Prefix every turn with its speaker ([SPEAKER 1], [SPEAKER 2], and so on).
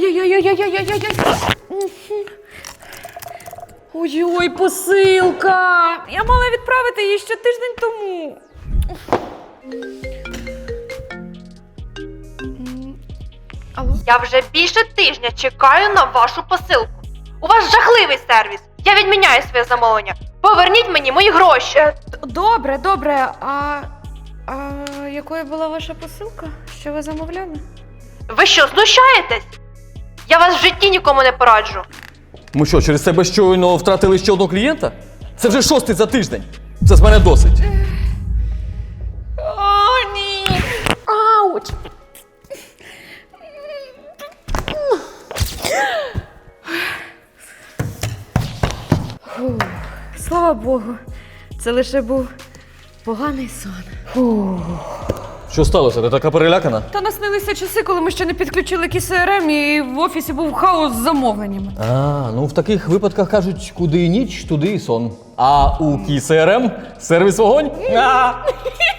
[SPEAKER 1] Ой-ой-ой-ой-ой-ой-ой-ой-ой. Ой-ой, посилка! Я мала відправити її ще тиждень тому. Алло?
[SPEAKER 2] Я вже більше тижня чекаю на вашу посилку. У вас жахливий сервіс. Я відміняю своє замовлення. Поверніть мені мої гроші.
[SPEAKER 1] Добре. А якою була ваша посилка? Що ви замовляли?
[SPEAKER 2] Ви що, знущаєтесь? Я вас в житті нікому не пораджу.
[SPEAKER 3] Ми що, через себе щойно втратили ще одного клієнта? Це вже 6-й за тиждень. Це з мене досить.
[SPEAKER 1] О, ні! Ауч! Фух, слава Богу, це лише був поганий сон. Фух.
[SPEAKER 3] Що сталося? Ти така перелякана?
[SPEAKER 1] Та наснилися часи, коли ми ще не підключили КСРМ і в офісі був хаос з замовленнями.
[SPEAKER 3] Ну в таких випадках кажуть, куди ніч, туди і сон. А у КСРМ сервіс вогонь?